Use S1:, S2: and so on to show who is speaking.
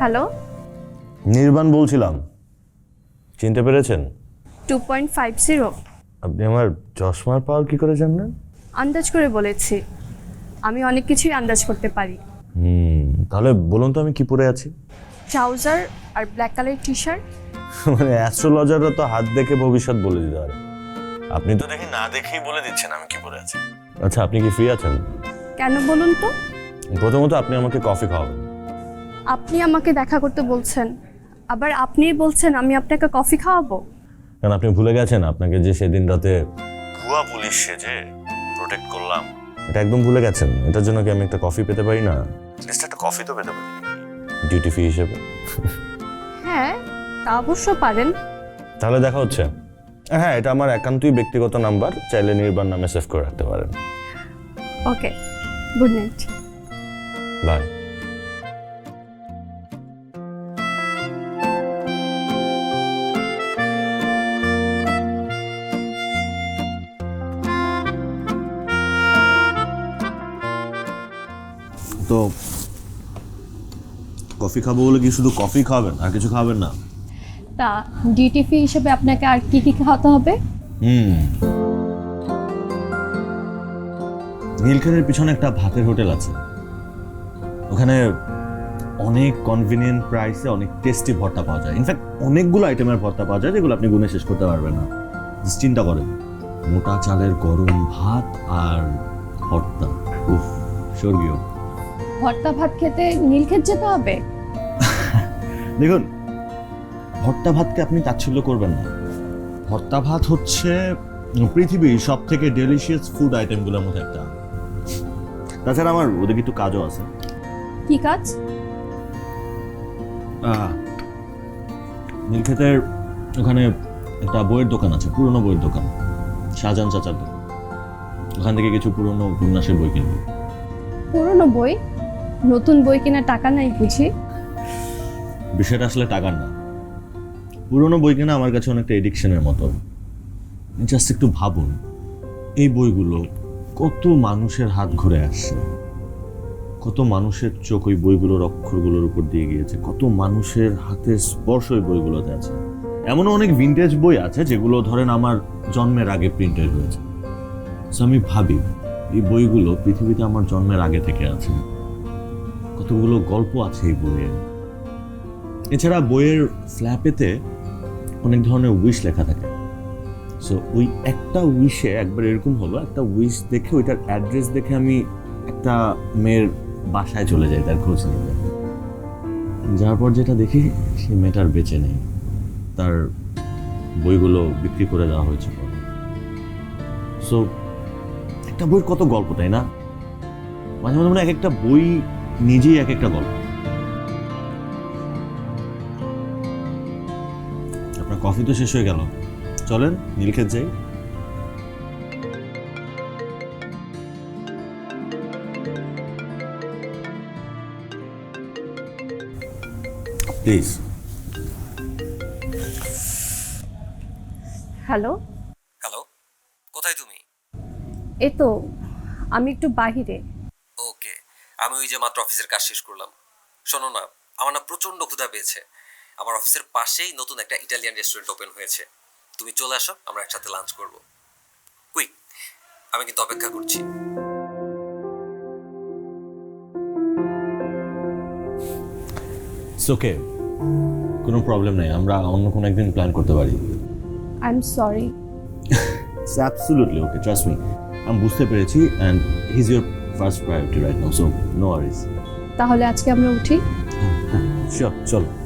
S1: Hello,
S2: নির্বাণ বলছিলাম, চিনতে পেরেছেন?
S1: 2.50।
S2: আপনি আমার চশমার পাওয়ার কি করে জানলেন?
S1: আন্দাজ করে বলেছি, আমি অনেক কিছুই আন্দাজ করতে পারি।
S2: তাহলে বলুন তো আমি কি পরে আছি?
S1: ট্রাউজার আর ব্ল্যাক কালার টি শার্ট।
S2: মানে অ্যাস্ট্রোলজাররা তো হাত দেখে ভবিষ্যৎ বলে দিতে পারে, আপনি তো দেখি না দেখেই বলে দিচ্ছেন আমি কি পরে আছি। আচ্ছা, আপনি কি ফ্রি আছেন?
S1: কেন বলুন তো?
S2: প্রথমত আপনি আমাকে কফি খাওয়াবেন।
S1: আপনি আমাকে দেখা করতে বলছেন, আবার আপনিই বলছেন আমি আপনাকে কফি খাওয়াবো।
S2: কারণ আপনি ভুলে গেছেন আপনাকে যে সেদিন রাতে ভুয়া পুলিশ সেজে প্রোটেক্ট করলাম, এটা একদম ভুলে গেছেন। এটার জন্য কি আমি একটা কফি পেতে পারি না? লিস্ট একটা কফি তো পেতে পারি ডিউটি ফি হিসেবে।
S1: হ্যাঁ, তা অবশ্য পারেন।
S2: তাহলে দেখা হচ্ছে। হ্যাঁ, এটা আমার একান্তই ব্যক্তিগত নাম্বার, চাইলে নির্বাণ নামে সেভ করে রাখতে পারেন।
S1: Okay, good night.
S2: বাই। তো কফি খাবো বলে কি শুধু কফি খাবেন আর কিছু খাবেন না?
S1: তা ডিউটি ফি হিসেবে আপনাকে আর কি কি খাওয়াতে হবে?
S2: নীলক্ষেতের পিছনে একটা ভাতের হোটেল আছে, ওখানে অনেক কনভিনিয়েন্ট প্রাইসে অনেক টেস্টি ভর্তা পাওয়া যায়। ইনফ্যাক্ট অনেকগুলো আইটেমের ভর্তা পাওয়া যায় যেগুলো আপনি গুনে শেষ করতে পারবেন না। জাস্ট চিন্তা করেন, মোটা চালের গরম ভাত আর ভর্তা, উফ, স্বর্গীয়।
S1: ভর্তা ভাত খেতে নীলক্ষেত যেতে হবে?
S2: দেখুন, ভর্তা ভাতকে আপনি তাচ্ছিল্য করবেন না। ভর্তা ভাত হচ্ছে পৃথিবীর সব থেকে ডেলিশিয়াস ফুড আইটেমগুলোর মধ্যে একটা। তাছাড়া আমার ওদিকে একটু কাজও আছে।
S1: কি কাজ?
S2: নীলক্ষেতের ওখানে একটা বইয়ের দোকান আছে, পুরনো বইয়ের দোকান, শাহজাহান চাচার দোকান। ওখান থেকে কিছু পুরনো উপন্যাসের বই কিনবো।
S1: পুরনো বই? নতুন বই কেনার টাকা নাই বুঝি?
S2: বিষয়টা আসলে টাকার না, পুরনো বই কেনা আমার কাছে অনেকটা এডিকশনের মতো। জাস্ট একটু ভাবুন, এই বইগুলো কত মানুষের হাত ঘুরে আসছে, কত মানুষের চোখ ওই বইগুলোর অক্ষরগুলোর উপর দিয়ে গিয়েছে, কত মানুষের হাতের স্পর্শ ওই বইগুলোতে আছে। এমনও অনেক ভিন্টেজ বই আছে যেগুলো ধরেন আমার জন্মের আগে প্রিন্টেড হয়েছে। সো আমি ভাবি এই বইগুলো পৃথিবীতে আমার জন্মের আগে থেকে আছে, কতগুলো গল্প আছে এই বইয়ে। এছাড়া বইয়ের ফ্ল্যাপেতে অনেক ধরনের উইশ লেখা থাকে। সো ওই একটা উইশে একবার এরকম হলো, একটা উইশ দেখে ওইটার অ্যাড্রেস দেখে আমি একটা মেয়ের বাসায় চলে যাই তার খোঁজ নিতে। যার পর যেটা দেখি সেই মেয়েটার বেঁচে নেই, তার বইগুলো বিক্রি করে দেওয়া হয়েছে। সো একটা বইয়ের কত গল্প, তাই না? মাঝে মাঝে মনে হয় এক একটা বই নিজেই এক একটা গল্প। আপনার কফি তো শেষ হয়ে গেল, চলেন নীলক্ষেত যাই। প্লিজ।
S1: হ্যালো।
S3: হ্যালো, কোথায় তুমি?
S1: এই তো, আমি একটু বাহিরে।
S3: ওকে, আমি ওই যে মাত্র অফিসের কাজ শেষ করলাম। শোনো না, আমার না প্রচন্ড ক্ষুধা পেয়েছে। আমার অফিসের পাশেই নতুন একটা ইটালিয়ান রেস্টুরেন্ট ওপেন হয়েছে। তুমি চলে আসো, আমরা একসাথে লাঞ্চ করব। কুইক, আমি কিন্তু অপেক্ষা করছি।
S2: ইটস ওকে, কোনো প্রবলেম নেই, আমরা অন্য কোনো একদিন প্ল্যান করতে পারি।
S1: I am sorry.
S2: It's absolutely okay, trust me. আমি বুঝতে পেরেছি, and he is your first priority right now, so no worries.
S1: তাহলে আজকে আমরা উঠি।
S2: শিওর, চলো।